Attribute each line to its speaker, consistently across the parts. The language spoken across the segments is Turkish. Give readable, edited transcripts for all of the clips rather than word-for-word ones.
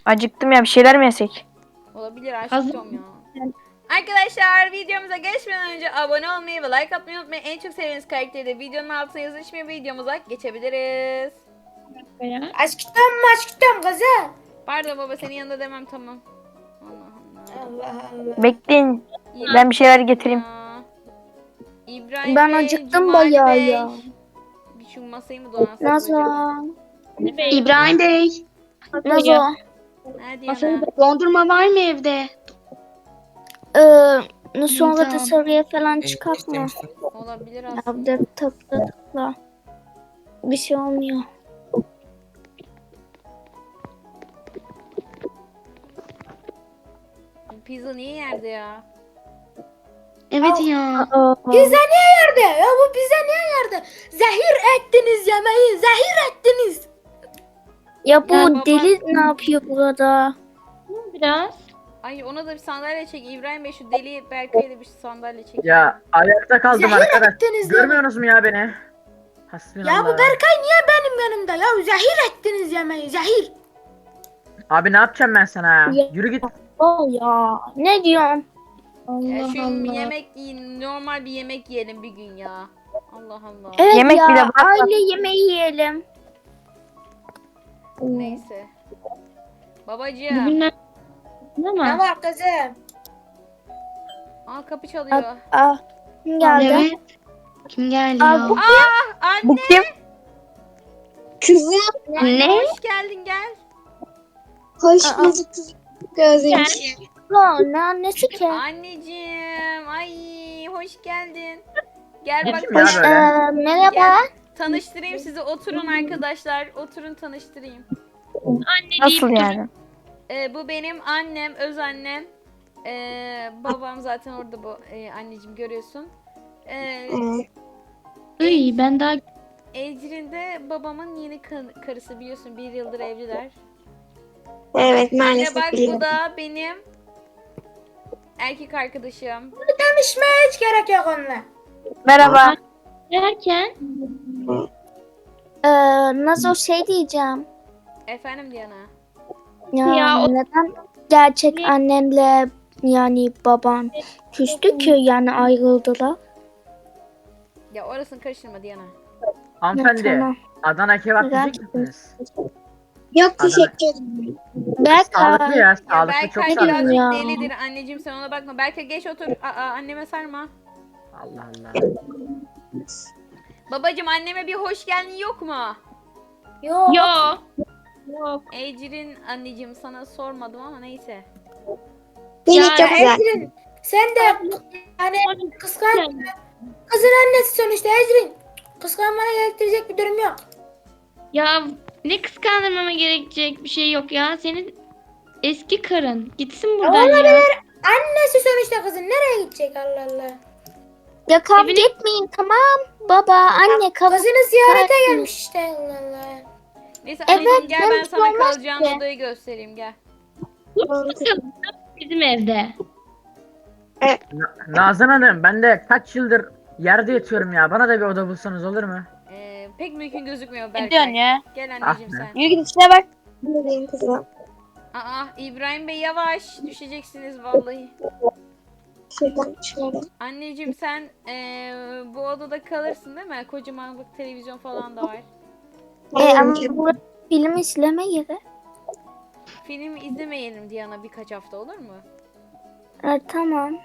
Speaker 1: Acıktım ya, bir şeyler mi yesek?
Speaker 2: Olabilir
Speaker 3: Hazır.
Speaker 2: aşkım ya. Arkadaşlar videomuza geçmeden önce abone olmayı ve like atmayı unutmayın. En çok sevdiğiniz karakteri de videonun altına yazın. Şimdi videomuza geçebiliriz.
Speaker 4: Aşkım kızım.
Speaker 2: Pardon baba, senin yanında demem, tamam. Allah Allah.
Speaker 4: Allah Allah.
Speaker 1: Bekleyin.
Speaker 2: İyi.
Speaker 1: Ben bir şeyler getireyim.
Speaker 2: Ya. İbrahim
Speaker 4: Ben
Speaker 2: Bey,
Speaker 4: acıktım
Speaker 2: Cumali
Speaker 4: bayağı
Speaker 2: Bey.
Speaker 4: ya.
Speaker 2: Bir şu masayı mı donatsam
Speaker 4: Nazo.
Speaker 2: acaba?
Speaker 3: İbrahim Bey.
Speaker 4: Nazo.
Speaker 2: Hadi
Speaker 3: Masada
Speaker 2: yana.
Speaker 3: dondurma var mı evde?
Speaker 4: Sonra da
Speaker 3: Tamam.
Speaker 4: sarıya falan çıkartma.
Speaker 2: Olabilir
Speaker 4: Ya
Speaker 2: aslında.
Speaker 4: bir de tıkla. Bir şey olmuyor.
Speaker 2: Pizza niye yerde ya?
Speaker 3: Evet ya.
Speaker 4: Pizza niye yerde? Ya bu pizza niye yerde? Zehir ettiniz yemeği. Zehir ettiniz. Ya bu
Speaker 2: Baba-
Speaker 4: deli ne yapıyor burada?
Speaker 3: Biraz.
Speaker 2: Ay, ona da bir sandalye çek. İbrahim Bey, şu deli Berkay'a da bir sandalye çek.
Speaker 5: Ya ayakta kaldım
Speaker 4: Zehir
Speaker 5: arkadaş.
Speaker 4: ettiniz
Speaker 5: Görmüyorsunuz mu ya beni? Hasbinallah.
Speaker 4: Ya bu Berkay niye benim yanımda? Ya zehir ettiniz yemeği. Zehir.
Speaker 5: Abi ne yapacağım ben sana ya?
Speaker 4: Ya.
Speaker 5: Yürü git.
Speaker 4: Oh ya. Ne diyorsun?
Speaker 2: Ya şu yemek yiyin. Normal bir yemek yiyelim bir gün ya. Allah Allah.
Speaker 4: Evet
Speaker 1: Yemek
Speaker 4: ya.
Speaker 1: bile bırak-
Speaker 4: Aile yemeği yiyelim.
Speaker 2: Neyse. Babacığım.
Speaker 3: Bugünler ama.
Speaker 4: var kızım?
Speaker 2: Aa, kapı çalıyor.
Speaker 4: Kim geldi?
Speaker 3: Evet. Kim geldi
Speaker 4: Aa,
Speaker 3: ya?
Speaker 4: bu-
Speaker 2: Anne.
Speaker 1: Bu kim?
Speaker 4: Kızım.
Speaker 2: Anne,
Speaker 3: Ne?
Speaker 2: hoş geldin, gel.
Speaker 4: Hoş bulduk kızım. Ne annesi ki?
Speaker 2: Anneciğim. Ay, hoş geldin. Gel bak.
Speaker 5: Kim ya böyle?
Speaker 4: Merhaba.
Speaker 2: Gel. Tanıştırayım sizi. Oturun arkadaşlar. Oturun, tanıştırayım.
Speaker 1: Nasıl yani?
Speaker 2: Bu benim annem, öz annem. Babam zaten orada, bu anneciğim, görüyorsun.
Speaker 3: Iy, ben daha
Speaker 2: Ecrin de babamın yeni karısı, biliyorsun, 1 yıldır evliler.
Speaker 4: Evet
Speaker 2: Bir de
Speaker 4: maalesef
Speaker 2: bak, bu
Speaker 4: biliyorum.
Speaker 2: da benim erkek arkadaşım.
Speaker 4: Tanışmaya hiç gerek yok onunla.
Speaker 1: Merhaba.
Speaker 3: derken
Speaker 4: Nasıl şey diyeceğim.
Speaker 2: Efendim Diana.
Speaker 4: Ya, neden gerçek annemle yani babam küstü ki yani ayrıldılar?
Speaker 2: Ya orasını karıştırma Diana.
Speaker 5: Hanımefendi.
Speaker 4: Tamam.
Speaker 5: Adana kebap
Speaker 4: Güzel.
Speaker 5: yiyecek misiniz?
Speaker 4: Yok
Speaker 5: Adana-
Speaker 4: teşekkür ederim.
Speaker 5: Sağlıklı
Speaker 4: Berkay.
Speaker 5: ya.
Speaker 2: Ya
Speaker 5: Sağlıklı, çok
Speaker 2: Berkay
Speaker 5: sağlıklı.
Speaker 2: birazcık
Speaker 4: Ya.
Speaker 2: delidir anneciğim, sen ona bakma. Berkay geç otur. Anneme sarma.
Speaker 5: Allah Allah.
Speaker 2: Babacım, anneme bir hoş geldin yok mu?
Speaker 4: Yok.
Speaker 3: yok. Yok.
Speaker 2: Ecrin anneciğim, sana sormadım ama neyse.
Speaker 3: Ya,
Speaker 4: Ecrin, sen de yani kıskan kızın annesi sonuçta Ecrin. Kıskanmana gerektirecek bir durum yok.
Speaker 3: Ya ne kıskandırmama gerekecek bir şey yok ya. Senin eski karın. Gitsin buradan ya.
Speaker 4: Annesi sonuçta kızın nereye gidecek Allah Allah. Ya kavga
Speaker 3: Evine-
Speaker 4: etmeyin tamam. Baba anne kızını ziyarete gelmiş işte Allah Allah.
Speaker 2: Neyse
Speaker 4: Evet,
Speaker 2: anneciğim, gel ben
Speaker 4: benim
Speaker 2: sana
Speaker 4: olmaz
Speaker 2: kalacağın
Speaker 4: ki.
Speaker 2: odayı göstereyim, gel.
Speaker 3: Bizim evde.
Speaker 5: Nazan Hanım, ben de kaç yıldır yerde yatıyorum ya. Bana da bir oda bulsanız olur mu?
Speaker 2: Pek mümkün gözükmüyor
Speaker 1: Ne
Speaker 2: Berkay.
Speaker 1: diyorsun ya?
Speaker 2: Gel anneciğim
Speaker 5: Ah be.
Speaker 2: sen.
Speaker 1: Yürü git içine bak.
Speaker 2: Aa, İbrahim Bey yavaş, düşeceksiniz vallahi. Anneciğim sen bu odada kalırsın değil mi? Kocaman bak, televizyon falan da var.
Speaker 4: Ama bu film izleme yeri.
Speaker 2: Film izlemeyelim Diana birkaç hafta, olur mu?
Speaker 4: Tamam.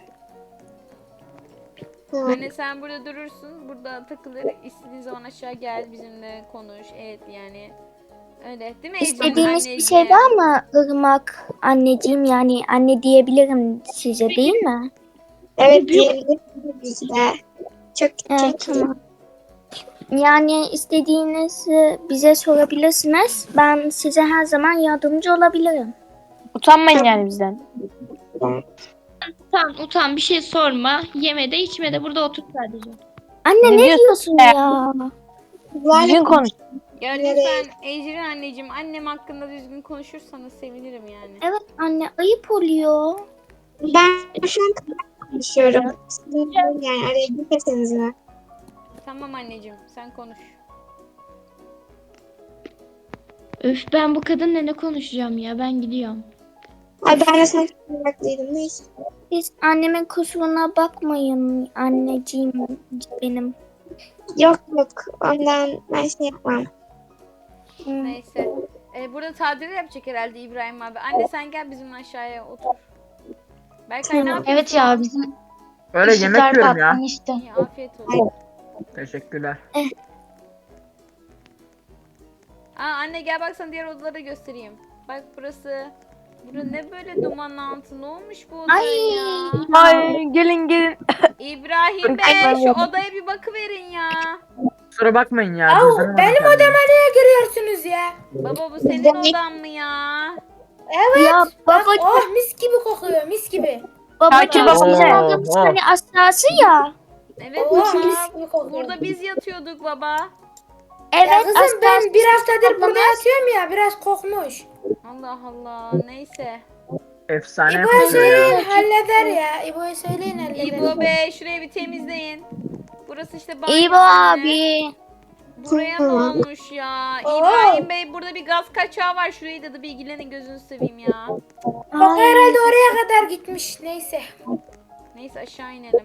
Speaker 2: Anne sen burada durursun, burada takılır, istediğin zaman aşağı gel bizimle konuş, evet yani. Öyle değil mi Ecrin
Speaker 4: İstediğiniz bir
Speaker 2: anneciğim?
Speaker 4: şey var mı Irmak anneciğim yani anne diyebilirim size değil mi?
Speaker 6: Evet diyebiliriz de. Çok
Speaker 4: Evet tamam. Yani istediğinizi bize sorabilirsiniz. Ben size her zaman yardımcı olabilirim.
Speaker 1: Utanmayın yani bizden.
Speaker 3: Utan bir şey sorma. Yeme de içme de burada otur sadece.
Speaker 4: Anne
Speaker 1: Ne
Speaker 4: ne
Speaker 1: diyorsun
Speaker 4: diyorsun
Speaker 1: be?
Speaker 4: ya?
Speaker 1: Düzgün konuş.
Speaker 2: Ya lütfen Ecrin anneciğim, annem hakkında düzgün konuşursanız sevinirim yani.
Speaker 4: Evet anne ayıp oluyor.
Speaker 6: Ben şu an konuşuyorum. Yani araya girmeseniz mi?
Speaker 2: Tamam anneciğim, sen konuş.
Speaker 3: Öf, ben bu kadınla ne konuşacağım ya, ben gidiyorum.
Speaker 6: Ay ben de sana meraklıydım. Neyse.
Speaker 7: Siz annemin kusuruna bakmayın anneciğim benim.
Speaker 6: Yok yok. Ondan ben şey yapmam.
Speaker 2: Neyse. Burada tadil yapacak herhalde İbrahim abi. Anne sen gel bizimle aşağıya otur. Berkay ne yapıyorsun?
Speaker 8: Evet ya, bizim
Speaker 5: Öyle yemek
Speaker 8: ışıklar
Speaker 5: yiyorum ya.
Speaker 8: patlamıştı.
Speaker 2: İyi, afiyet olsun.
Speaker 5: Teşekkürler.
Speaker 2: Anne gel bak sana diğer odaları göstereyim. Bak burası. Bura ne böyle duman altı? Ne olmuş bu odaya ya?
Speaker 1: Ay gelin gelin.
Speaker 2: İbrahim Bey şu odaya bir bakıverin ya.
Speaker 5: Kusura bakmayın ya.
Speaker 4: Au,
Speaker 5: cüzdanım
Speaker 4: benim
Speaker 5: var
Speaker 4: odama niye giriyorsunuz ya?
Speaker 2: Baba bu senin odan mı ya?
Speaker 4: Evet.
Speaker 7: Ya
Speaker 4: Bak
Speaker 7: babacığım,
Speaker 4: oh mis gibi kokuyor mis gibi.
Speaker 7: babacığım
Speaker 1: Şakir
Speaker 7: bizim
Speaker 5: baba.
Speaker 7: odamız
Speaker 5: Oo.
Speaker 7: hani aşağısı ya.
Speaker 2: Evet
Speaker 4: Oh
Speaker 2: baba.
Speaker 4: mis gibi kokuyor.
Speaker 2: Burada biz yatıyorduk baba.
Speaker 7: Evet
Speaker 4: Ya kızım ben
Speaker 7: aşağısı
Speaker 4: bir haftadır
Speaker 7: odamız.
Speaker 4: burada yatıyorum ya biraz kokmuş.
Speaker 2: Allah Allah. Neyse.
Speaker 5: Efsane
Speaker 4: İbo'ya
Speaker 5: kokuyor
Speaker 4: söyleyin
Speaker 5: ya.
Speaker 4: halleder ya. İbo'ya söyleyin halleder.
Speaker 2: İbo Bey şurayı bir temizleyin. Burası işte banyo.
Speaker 7: İyi bu abi.
Speaker 2: Buraya ne olmuş ya? İbrahim Bey burada bir gaz kaçağı var. Şurayı da bir ilgilenin gözünü seveyim ya.
Speaker 4: Koku herhalde oraya kadar gitmiş. Neyse.
Speaker 2: Neyse aşağı inelim.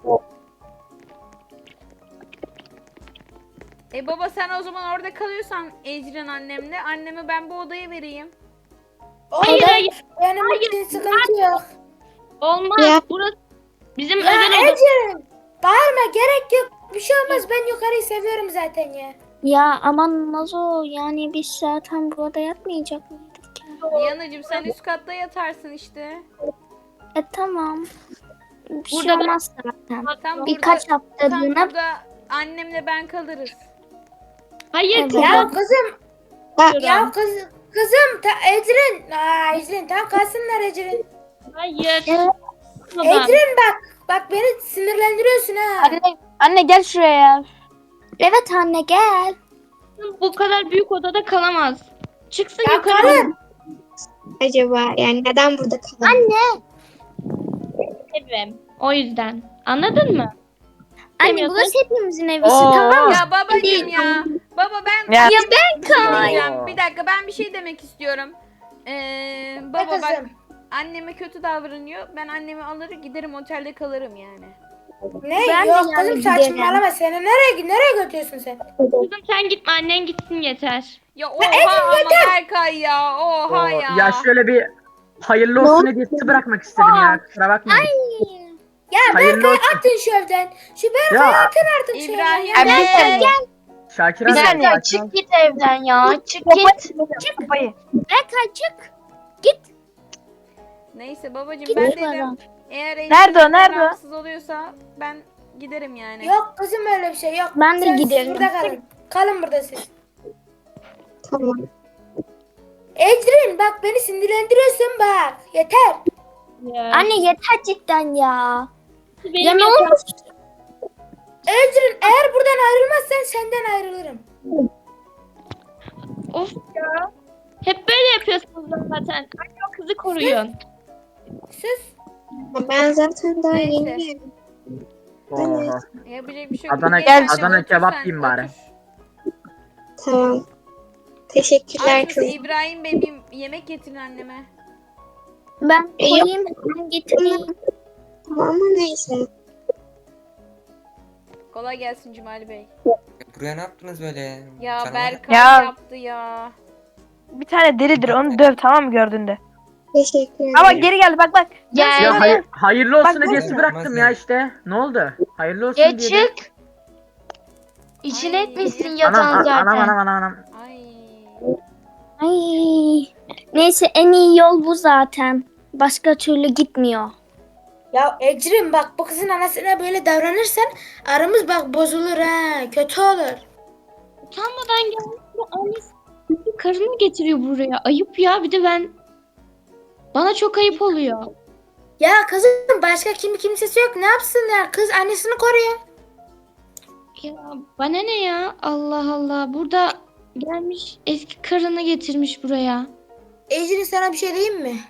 Speaker 2: Baba sen o zaman orada kalıyorsan Ecrin annemle. Annemi ben bu odaya vereyim.
Speaker 3: Hayır
Speaker 4: Orada
Speaker 3: hayır,
Speaker 4: benim için sıkıntı yok.
Speaker 3: olmaz.
Speaker 6: Ya.
Speaker 3: Burası bizim
Speaker 4: Ya
Speaker 3: özel odamız.
Speaker 4: Ecrin bağırma gerek yok. Bir şey olmaz ben yukarıyı seviyorum zaten ya.
Speaker 7: Ya aman Nazo, yani biz zaten burada yatmayacak mıydık ya?
Speaker 2: Diyanacığım sen üst katta yatarsın işte.
Speaker 7: Tamam. Bir şey
Speaker 3: Burada da-
Speaker 7: olmaz zaten.
Speaker 2: Tam
Speaker 7: Birkaç
Speaker 2: tam
Speaker 7: haftalığına
Speaker 2: burada annemle ben kalırız.
Speaker 3: Hayır,
Speaker 7: Evet.
Speaker 4: Ya kızım
Speaker 3: Hayır.
Speaker 4: ya kızım Ecrin. Ecrin tamam kalsınlar Ecrin.
Speaker 3: Hayır. Baba.
Speaker 4: Ecrin bak beni sinirlendiriyorsun ha.
Speaker 1: Anne gel şuraya ya.
Speaker 7: Evet anne gel.
Speaker 3: Bu kadar büyük odada kalamaz. Çıksın
Speaker 4: Ya
Speaker 3: yukarı.
Speaker 4: kalın.
Speaker 6: Acaba yani neden burada kalalım?
Speaker 7: Anne.
Speaker 3: Evim. O yüzden. Anladın mı?
Speaker 7: Anne
Speaker 3: Demiyorsun.
Speaker 7: burası hepimizin evisi,
Speaker 5: Oo.
Speaker 7: tamam mı?
Speaker 2: Ya babacığım ya. Baba ben
Speaker 1: Ya.
Speaker 2: bir şey
Speaker 7: Kay.
Speaker 2: diyeceğim. Bir dakika ben bir şey demek istiyorum.
Speaker 4: Ne
Speaker 2: Baba bak
Speaker 4: kızım?
Speaker 2: anneme kötü davranıyor. Ben annemi alır giderim otelde kalırım yani.
Speaker 4: Ne?
Speaker 7: Ben de
Speaker 4: Yok
Speaker 7: yani
Speaker 4: kızım
Speaker 7: giderim.
Speaker 4: saçmalama seni nereye götürüyorsun sen?
Speaker 3: Kızım sen gitme, annen gitsin yeter.
Speaker 2: Ya oha ama Berkay ya. Oha
Speaker 5: Oo,
Speaker 2: ya.
Speaker 5: ya şöyle bir hayırlı olsun hediyesi bırakmak istedim ya. Kusura bakmayın.
Speaker 4: Ya
Speaker 5: Hayırlı
Speaker 4: Berkay
Speaker 5: olsun.
Speaker 4: atın şu evden. Şu Berkay'ı
Speaker 5: Ya
Speaker 4: atın artık şu evden.
Speaker 2: İbrahim
Speaker 4: ya.
Speaker 2: Bey.
Speaker 5: Şakir
Speaker 1: Bir
Speaker 5: abi.
Speaker 1: saniye,
Speaker 5: sakin ol.
Speaker 8: Çık git evden ya. Çık git.
Speaker 1: Kafayı.
Speaker 7: Berkay çık.
Speaker 2: Neyse babacığım
Speaker 7: Git
Speaker 2: ben
Speaker 7: bana.
Speaker 2: dedim. Eğer
Speaker 1: Nerede o, nerede o?
Speaker 2: rahatsız oluyorsa ben giderim yani.
Speaker 4: Yok kızım öyle bir şey yok.
Speaker 7: Ben de
Speaker 4: Siz
Speaker 7: giderim.
Speaker 4: burada kalın. Kalın burada siz.
Speaker 6: Tamam.
Speaker 4: Ecrin bak beni sinirlendiriyorsun bak. Yeter.
Speaker 7: Anne yeter cidden ya.
Speaker 3: Benim
Speaker 7: Ya ne
Speaker 3: yatağım-
Speaker 7: olmuş?
Speaker 4: Ecrin eğer buradan ayrılmazsan senden ayrılırım.
Speaker 3: Of ya. Hep böyle yapıyorsunuz zaten. Anne o kızı koruyun.
Speaker 4: Sus.
Speaker 6: Ben zaten daha
Speaker 2: Neyse.
Speaker 6: yeni geldim.
Speaker 5: Oha.
Speaker 2: Yapacak bir şey yok.
Speaker 5: Adana-
Speaker 2: Gel,
Speaker 5: Adana
Speaker 2: otur
Speaker 5: kebap
Speaker 2: sen,
Speaker 5: yiyeyim bari.
Speaker 2: otur.
Speaker 6: Tamam. Teşekkürler
Speaker 2: Aslında
Speaker 6: kızım.
Speaker 2: İbrahim Bey bir yemek getirin anneme.
Speaker 7: Ben koyayım, ben getireyim.
Speaker 6: Tamam ama neyse.
Speaker 2: Kolay gelsin Cumali Bey.
Speaker 9: Buraya ne yaptınız böyle?
Speaker 2: Ya
Speaker 9: Canavar.
Speaker 2: Berkay
Speaker 1: Ya.
Speaker 2: yaptı ya.
Speaker 1: Bir tane delidir onu döv, tamam mı, gördüğünde.
Speaker 6: Teşekkür ederim.
Speaker 1: Ama geri geldi bak bak.
Speaker 8: Gel.
Speaker 5: Ya hayırlı olsun
Speaker 1: Bak,
Speaker 5: hediyesi
Speaker 9: bak.
Speaker 5: bıraktım ya işte. Ne oldu? Hayırlı olsun
Speaker 8: Geç
Speaker 5: diye.
Speaker 8: çık. İçine
Speaker 2: Ay.
Speaker 8: etmişsin
Speaker 5: Anam
Speaker 8: yatağın zaten.
Speaker 5: anam.
Speaker 2: Ay.
Speaker 7: Ay. Neyse en iyi yol bu zaten. Başka türlü gitmiyor.
Speaker 4: Ya Ecrin bak bu kızın anasına böyle davranırsan aramız bak bozulur ha. Kötü olur.
Speaker 3: Utanmadan gelmiş bu annesi karını getiriyor buraya. Ayıp ya, bir de bana çok ayıp oluyor.
Speaker 4: Ya kızım başka kimsesi yok. Ne yapsınlar? Kız annesini koruyor.
Speaker 3: Ya bana ne ya? Allah Allah. Burada gelmiş eski karını getirmiş buraya.
Speaker 4: Ecrin sana bir şey diyeyim mi?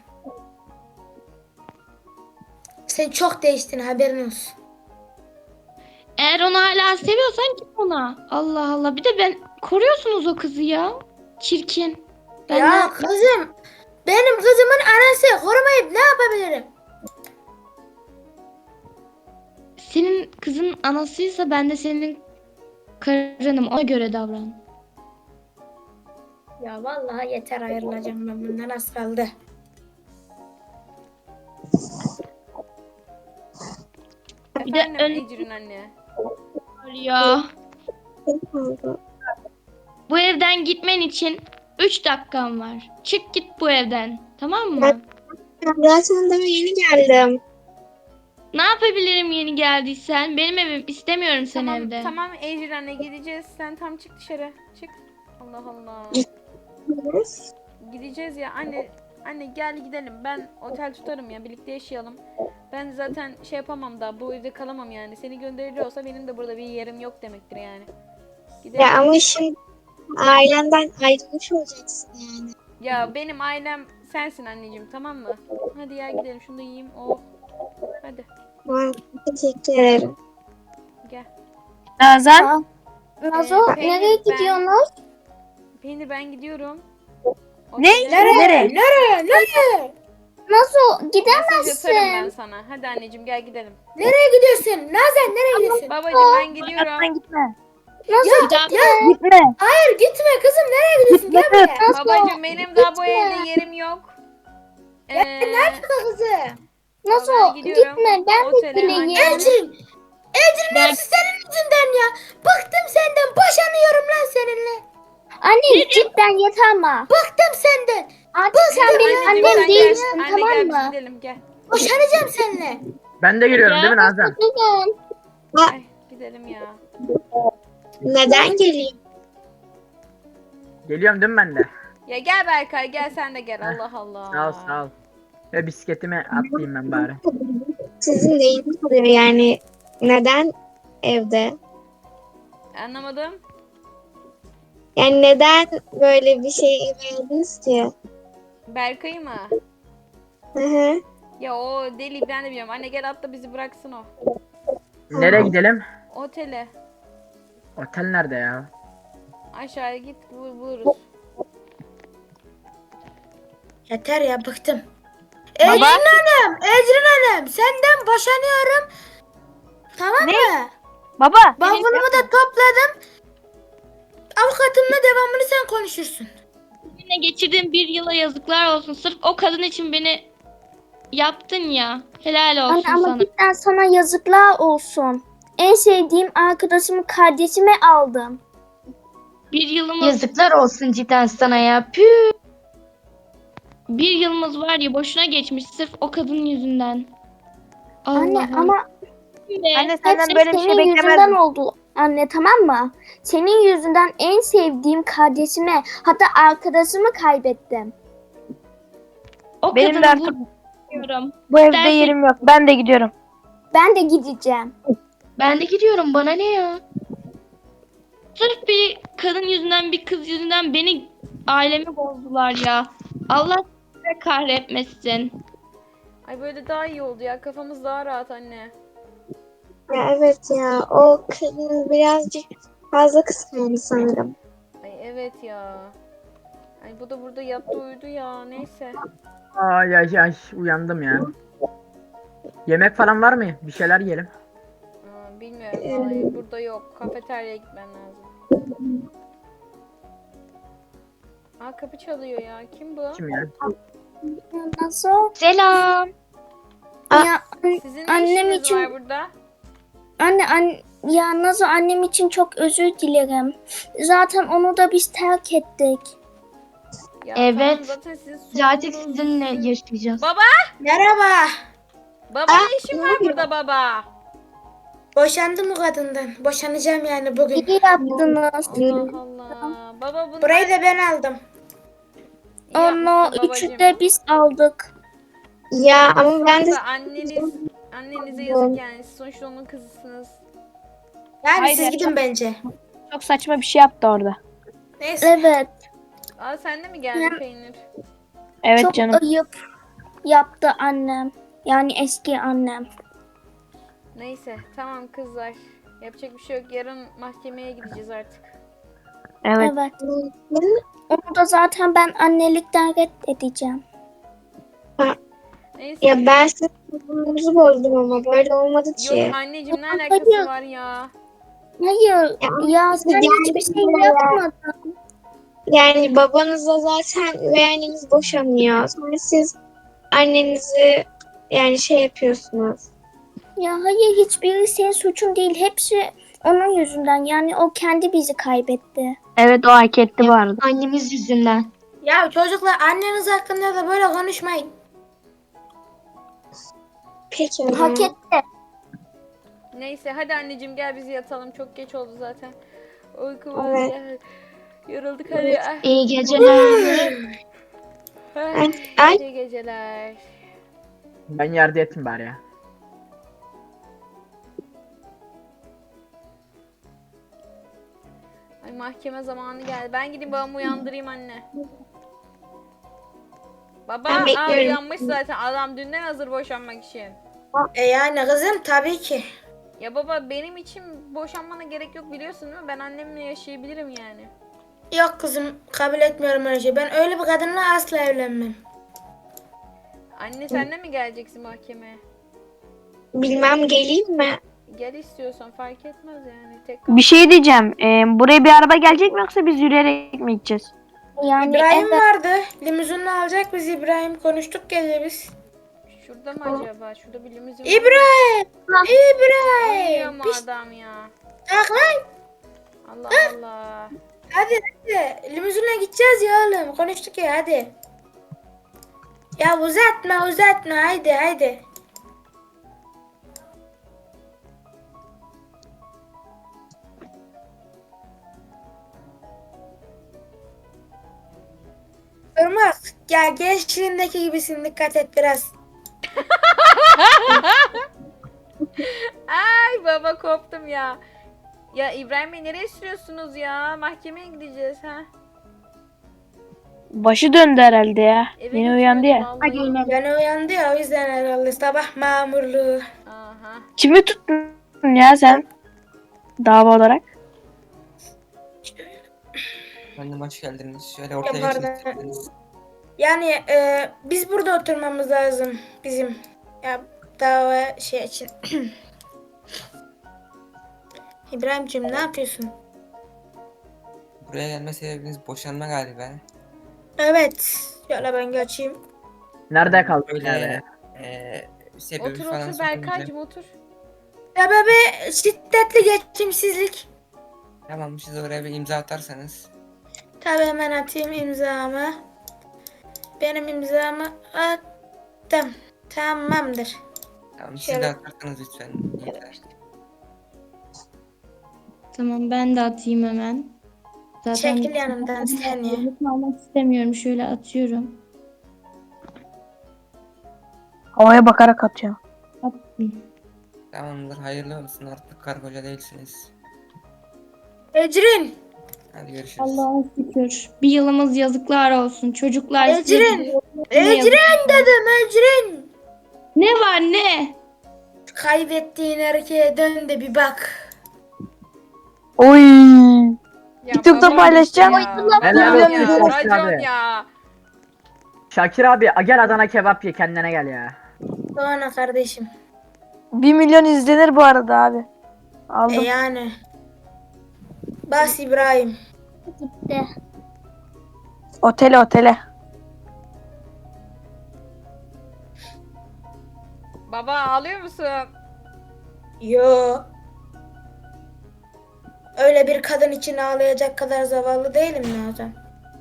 Speaker 4: Sen çok değiştin haberin olsun.
Speaker 3: Eğer onu hala seviyorsan git ona. Allah Allah. Bir de koruyorsunuz o kızı ya. Çirkin. Ben
Speaker 4: Ya kızım. Benim kızımın anası korumayıp ne yapabilirim?
Speaker 3: senin kızın anasıysa ben de senin karınım. Ona göre davran.
Speaker 4: Ya vallahi yeter ayrılacağım ben bundan az kaldı.
Speaker 3: Bir de
Speaker 2: Efendim Ecrin anne.
Speaker 3: Ya.
Speaker 6: Çok oldu.
Speaker 3: Bu evden gitmen için 3 dakikan var. Çık git bu evden. Tamam mı?
Speaker 6: Ben zaten daha yeni geldim.
Speaker 3: Ne yapabilirim yeni geldiysen? Benim evim. İstemiyorum seni
Speaker 2: Tamam
Speaker 3: evde.
Speaker 2: tamam Ecrin anne gideceğiz. Sen tam çık dışarı. Çık. Allah Allah. Gideceğiz ya anne. Anne gel gidelim. Ben otel tutarım ya. Birlikte yaşayalım. Ben zaten şey yapamam da bu evde kalamam yani. Seni gönderiyorsa benim de burada bir yerim yok demektir yani. Gidelim.
Speaker 6: Ya ama şimdi ailenden ayrılmış olacaksın yani.
Speaker 2: Ya benim ailem sensin anneciğim, tamam mı? Hadi ya gidelim, şunu da yiyeyim. Oh. Hadi
Speaker 6: Vay, teşekkür ederim.
Speaker 2: gel.
Speaker 1: Nazan.
Speaker 7: Nazo
Speaker 2: Peynir,
Speaker 7: nereye
Speaker 2: ben-
Speaker 7: gidiyorsunuz?
Speaker 2: Peynir ben gidiyorum.
Speaker 1: Ne?
Speaker 2: Otele-
Speaker 1: Nereye?
Speaker 4: Nereye?
Speaker 7: Nazo
Speaker 2: Mesaj atarım ben
Speaker 7: gidemezsin.
Speaker 2: sana. Hadi anneciğim gel gidelim.
Speaker 4: Nereye gidiyorsun? Nazan nereye gidiyorsun?
Speaker 2: Babacığım ben gidiyorum.
Speaker 1: Sen gitme.
Speaker 3: Bir daha
Speaker 1: Gitme.
Speaker 4: Hayır gitme kızım nereye gidiyorsun? Gel buraya.
Speaker 7: Nazo
Speaker 2: Babacığım benim daha bu
Speaker 7: gitme.
Speaker 2: evde yerim yok.
Speaker 4: Kızım.
Speaker 7: Nazo
Speaker 2: Ben gidiyorum.
Speaker 7: gitme ben de
Speaker 2: Otele,
Speaker 7: geleyim.
Speaker 2: anne.
Speaker 4: Ecrin. Ecrin
Speaker 3: Ben-
Speaker 4: hepsi senin yüzünden ya. Bıktım senden. Boşanıyorum lan seninle.
Speaker 7: Anne cidden yeter ama.
Speaker 4: Bıktım senden.
Speaker 7: Artık sen benim
Speaker 2: Anneciğim sen
Speaker 7: annem
Speaker 2: gel.
Speaker 7: değilsin
Speaker 2: Anne
Speaker 7: tamam
Speaker 2: gel biz
Speaker 7: mı?
Speaker 2: gidelim gel.
Speaker 4: Boşanacağım seninle.
Speaker 5: Ben de giriyorum değil mi Nazan?
Speaker 7: Gidin.
Speaker 2: Ay, gidelim ya.
Speaker 6: Neden geleyim?
Speaker 5: Geliyorum değil mi ben de?
Speaker 2: Ya gel Berkay gel sen de gel.
Speaker 5: Heh,
Speaker 2: Allah Allah.
Speaker 5: Sağ ol sağ ol. Ve bisikletimi atlayayım ben bari.
Speaker 6: Sizin neyiniz oluyor yani? Neden evde?
Speaker 2: Anlamadım.
Speaker 6: Yani neden böyle bir şey verdiniz ki?
Speaker 2: Berkay mı?
Speaker 6: Hı hı.
Speaker 2: Ya o deli ben de biliyorum. Anne gel atla bizi bıraksın o.
Speaker 5: Nereye gidelim?
Speaker 2: Otele.
Speaker 5: Otel nerede ya?
Speaker 2: Aşağıya git buluruz.
Speaker 4: Yeter ya bıktım. Ecrin Hanım. Ecrin Hanım. Senden boşanıyorum. Tamam mı?
Speaker 1: Baba.
Speaker 4: Bavulumu da topladım. Avukatımla devamını sen konuşursun.
Speaker 3: seninle geçirdiğim bir yıla yazıklar olsun. Sırf o kadın için beni yaptın ya. Helal olsun
Speaker 7: Anne ama
Speaker 3: sana.
Speaker 7: cidden sana yazıklar olsun. En sevdiğim arkadaşımı kardeşime aldım.
Speaker 3: Bir yılımız,
Speaker 8: Yazıklar olsun cidden sana ya. Püh.
Speaker 3: bir yılımız var ya boşuna geçmiş sırf o kadın yüzünden.
Speaker 7: Anne
Speaker 3: Allah'ım.
Speaker 7: ama
Speaker 3: Be.
Speaker 1: Anne senden
Speaker 7: hepsi
Speaker 1: böyle bir şey
Speaker 7: senin yüzünden
Speaker 1: beklemezdim.
Speaker 7: oldu. Anne tamam mı? Senin yüzünden en sevdiğim kardeşime hatta arkadaşımı kaybettim.
Speaker 3: O
Speaker 1: Benim de
Speaker 3: kadını
Speaker 1: artık
Speaker 3: vurmuyorum.
Speaker 1: bu evde
Speaker 3: Dersin-
Speaker 1: yerim yok. Ben de gidiyorum.
Speaker 7: Ben de gideceğim.
Speaker 8: Ben de gidiyorum, bana ne ya?
Speaker 3: Sırf bir kadın yüzünden, bir kız yüzünden beni, ailemi bozdular ya. Allah size kahretmesin.
Speaker 2: Ay böyle daha iyi oldu ya. Kafamız daha rahat anne.
Speaker 6: Ya evet ya o kadın birazcık fazla kıskandı sanırım.
Speaker 2: Ay evet ya. Ay bu da burada yattı uyudu ya. Neyse.
Speaker 5: Ay ay ay uyandım ya. Yemek falan var mı? Bir şeyler yiyelim.
Speaker 2: Bilmiyorum vallahi burada yok. Kafeteryaya gitmen lazım. Aa kapı çalıyor ya. Kim bu?
Speaker 5: Kim ya?
Speaker 7: Nasıl?
Speaker 8: Selam.
Speaker 7: Ya
Speaker 2: Sizin ne
Speaker 7: Annem
Speaker 2: işiniz
Speaker 7: için-
Speaker 2: var burada?
Speaker 7: ya Nazo annem için çok özür dilerim. Zaten onu da biz terk ettik.
Speaker 2: Ya
Speaker 8: Evet.
Speaker 2: tamam, zaten sizin
Speaker 8: Zaten
Speaker 2: sorununuz.
Speaker 8: sizinle yaşayacağız.
Speaker 2: Baba!
Speaker 4: Merhaba.
Speaker 2: Baba ne işin var burada baba?
Speaker 4: Boşandım o kadından. Boşanacağım yani bugün.
Speaker 7: İyi yaptınız.
Speaker 2: Allah Allah. Baba bunlar...
Speaker 4: Burayı da ben aldım.
Speaker 2: İyi
Speaker 7: Onu
Speaker 2: yapmışsın
Speaker 7: üçü
Speaker 2: babacığım.
Speaker 7: de biz aldık.
Speaker 6: Ya ama ben de
Speaker 2: Sonuçta annenize yazık yani. Siz sonuçta onun kızısınız.
Speaker 4: Yani
Speaker 1: Hayır
Speaker 4: siz
Speaker 1: ya,
Speaker 4: gidin bence.
Speaker 1: Çok saçma bir şey yaptı orada.
Speaker 4: Neyse.
Speaker 7: Evet.
Speaker 2: Aa sen de mi geldin peynir?
Speaker 1: Evet
Speaker 7: Çok
Speaker 1: canım.
Speaker 7: ayıp yaptı annem. Yani eski annem.
Speaker 2: Neyse tamam kızlar. Yapacak bir şey yok. Yarın mahkemeye gideceğiz artık.
Speaker 1: Evet.
Speaker 7: Evet. Onu da zaten ben annelikten reddedeceğim.
Speaker 2: Neyse.
Speaker 6: Ya ben sizin huzurumuzu bozdum ama böyle olmadı ki.
Speaker 2: Yok anneciğim ne alakası var ya?
Speaker 7: Hayır ya sen
Speaker 6: yani
Speaker 7: hiçbir şey
Speaker 6: ya.
Speaker 7: yapmadın.
Speaker 6: Yani babanızla zaten üvey anneniz boşanıyor. Sonra siz annenizi yani şey yapıyorsunuz.
Speaker 7: Ya hayır hiçbiri senin suçun değil. Hepsi onun yüzünden. Yani o kendi bizi kaybetti.
Speaker 1: Evet o hak etti bu arada.
Speaker 8: Annemiz yüzünden.
Speaker 4: Ya çocuklar anneniz hakkında da böyle konuşmayın.
Speaker 6: Peki o
Speaker 7: Hak
Speaker 6: zaman.
Speaker 7: etti.
Speaker 2: Neyse hadi anneciğim gel bizi yatalım. Çok geç oldu zaten. Uykumuz
Speaker 6: Evet.
Speaker 2: geldi. Yorulduk hadi.
Speaker 8: İyi geceler.
Speaker 6: Ay.
Speaker 2: İyi geceler.
Speaker 5: Ben yerde yatayım bari ya.
Speaker 2: Ay mahkeme zamanı geldi. Ben gideyim babamı uyandırayım anne. Baba
Speaker 6: Ben bekliyorum.
Speaker 2: uyanmış zaten. Adam dünden hazır boşanmak için.
Speaker 4: Yani kızım tabii ki.
Speaker 2: Ya baba benim için boşanmana gerek yok biliyorsun değil mi? Ben annemle yaşayabilirim yani.
Speaker 4: Yok kızım kabul etmiyorum öyle şey. Ben öyle bir kadınla asla evlenmem.
Speaker 2: Anne sen de mi geleceksin mahkemeye?
Speaker 6: Bilmem geleyim mi?
Speaker 2: Gel istiyorsan fark etmez yani. Tek
Speaker 1: Bir şey diyeceğim. Buraya bir araba gelecek mi yoksa biz yürüyerek mi gideceğiz?
Speaker 7: Yani
Speaker 4: İbrahim
Speaker 7: evet.
Speaker 4: vardı. Limuzinle alacak biz İbrahim. Konuştuk gece biz.
Speaker 2: Şurada mı acaba? Şurada bir limuzin var.
Speaker 4: İbrahim!
Speaker 2: Uyuyor
Speaker 4: İbrahim!
Speaker 2: mu
Speaker 4: Piş,
Speaker 2: adam ya?
Speaker 4: kalk lan!
Speaker 2: Allah Allah.
Speaker 4: Hadi. Limuzinle gideceğiz ya oğlum. Konuştuk ya hadi. Ya uzatma haydi. Irmak ya gençliğindeki gibisin dikkat et biraz.
Speaker 2: Ay baba koptum ya. Ya İbrahim Bey nereye sürüyorsunuz ya? Mahkemeye gideceğiz ha.
Speaker 1: Başı döndü herhalde ya.
Speaker 2: Eve
Speaker 1: Yeni uyandı ya.
Speaker 2: götürüyordu vallahi.
Speaker 4: Yani uyandı ya o yüzden herhalde sabah mamurluğu.
Speaker 2: Aha.
Speaker 1: Kimi tuttun ya sen? Dava olarak.
Speaker 9: Annem hoş geldiniz. Şöyle ortaya
Speaker 4: Yapardı.
Speaker 9: geçin isterseniz.
Speaker 4: Yani biz burada oturmamız lazım bizim. Ya dava şey için. İbrahimciğim ne yapıyorsun?
Speaker 9: Buraya gelme sebebiniz boşanma galiba.
Speaker 4: Evet. Şöyle ben geçeyim.
Speaker 5: Nerede kaldık
Speaker 9: Böyle
Speaker 5: nerede?
Speaker 9: sebebi
Speaker 2: Otur
Speaker 9: falan
Speaker 2: otur
Speaker 9: sorunca.
Speaker 2: Berkay'cım otur.
Speaker 4: Sebebi şiddetli geçimsizlik.
Speaker 9: Tamam siz oraya bir imza atarsanız.
Speaker 4: Tabii hemen atayım imzamı. Benim imzamı attım. Tamamdır.
Speaker 9: Tamam siz
Speaker 4: Şöyle.
Speaker 9: de atarsanız lütfen. Yeter.
Speaker 3: Tamam ben de atayım hemen. Zaten
Speaker 4: Çekil yanımdan sen ya.
Speaker 3: Yalnız kalmak istemiyorum. Şöyle atıyorum.
Speaker 1: Havaya bakarak atıyor.
Speaker 3: Attım.
Speaker 9: Tamamdır hayırlı olsun artık karı koca değilsiniz.
Speaker 4: Ecrin.
Speaker 9: Hadi görüşürüz.
Speaker 3: Allah'a şükür. Bir yılımız yazıklar olsun. Çocuklar size
Speaker 4: Ecrin.
Speaker 3: ne yazık-
Speaker 4: Ecrin dedim Ecrin.
Speaker 3: Ne var ne?
Speaker 4: Kaybettiğin erkeğe dön de bir bak.
Speaker 1: Oy.
Speaker 2: Ya
Speaker 1: TikTok'ta
Speaker 2: baba
Speaker 1: paylaşacağım.
Speaker 2: ya.
Speaker 5: Helal
Speaker 2: Racon
Speaker 5: olsun
Speaker 2: ya.
Speaker 5: Şakir
Speaker 2: Racon
Speaker 5: abi.
Speaker 2: ya.
Speaker 5: Şakir abi gel Adana kebap ye kendine gel ya.
Speaker 4: Sonra kardeşim.
Speaker 1: 1 milyon izlenir bu arada abi. Aldım.
Speaker 4: Yani. Bas İbrahim.
Speaker 7: Gitti.
Speaker 1: Otele.
Speaker 2: Baba ağlıyor musun?
Speaker 4: Yo. Öyle bir kadın için ağlayacak kadar zavallı değilim Nazan.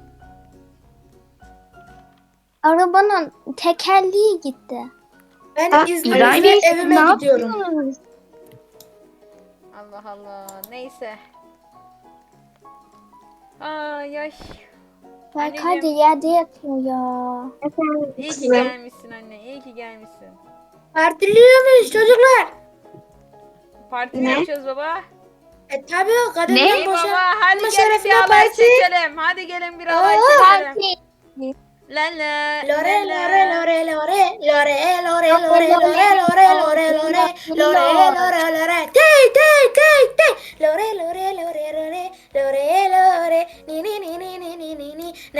Speaker 7: Arabanın tekerleği gitti.
Speaker 4: Ben
Speaker 6: İbrahim
Speaker 4: izninizle
Speaker 6: Bey, siz
Speaker 4: evime
Speaker 6: ne
Speaker 4: gidiyorum.
Speaker 6: yapıyorsunuz?
Speaker 2: Allah Allah. Neyse. Ay ay.
Speaker 7: Berkay da yerde yatıyor ya.
Speaker 6: Efendim
Speaker 2: İyi ki
Speaker 6: kızım.
Speaker 2: gelmişsin anne. İyi ki gelmişsin.
Speaker 4: Partiliyor muyuz çocuklar?
Speaker 2: Parti mi
Speaker 6: Ne?
Speaker 2: yapacağız baba?
Speaker 4: Tabii o kadından
Speaker 2: İyi baba hadi
Speaker 4: Ama
Speaker 2: gelin
Speaker 4: şerefine
Speaker 2: bir halay
Speaker 4: parti.
Speaker 2: çekelim. Hadi gelin bir halay çekelim. La la
Speaker 4: Lore
Speaker 2: la
Speaker 4: lore
Speaker 2: la.
Speaker 4: lore lore lore lore lore lore lore lore lore lore lore tey tey tey tey lore lore lore lore lore lore ni ni ni ni ni ni ni ni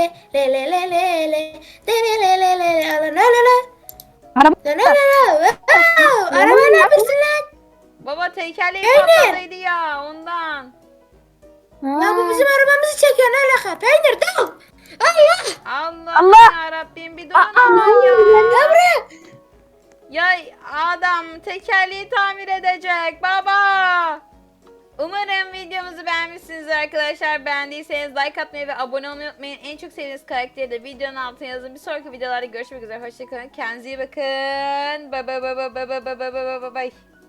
Speaker 4: le le le le le de le le le le le la la la.
Speaker 1: Araba-
Speaker 4: La la la la. Wow! Araba ne yapıyorsun lan?
Speaker 2: Baba tekerleği
Speaker 4: Peynir.
Speaker 2: patladıydı ya ondan.
Speaker 4: Ya bu bizim arabamızı çekiyor ne alaka? Peynir dur. Allah.
Speaker 2: Allah,
Speaker 1: Allah.
Speaker 2: yarabbim bir durun aman ya.
Speaker 4: Gel buraya.
Speaker 2: Ya adam tekerleği tamir edecek baba. Umarım videomuzu beğenmişsinizdir arkadaşlar. Beğendiyseniz like atmayı ve abone olmayı unutmayın. En çok sevdiğiniz karakteri de videonun altına yazın. Bir sonraki videolarda görüşmek üzere. Hoşçakalın. Kendinize iyi bakın. Bye bye bye bye bye bye bye bye bye bye.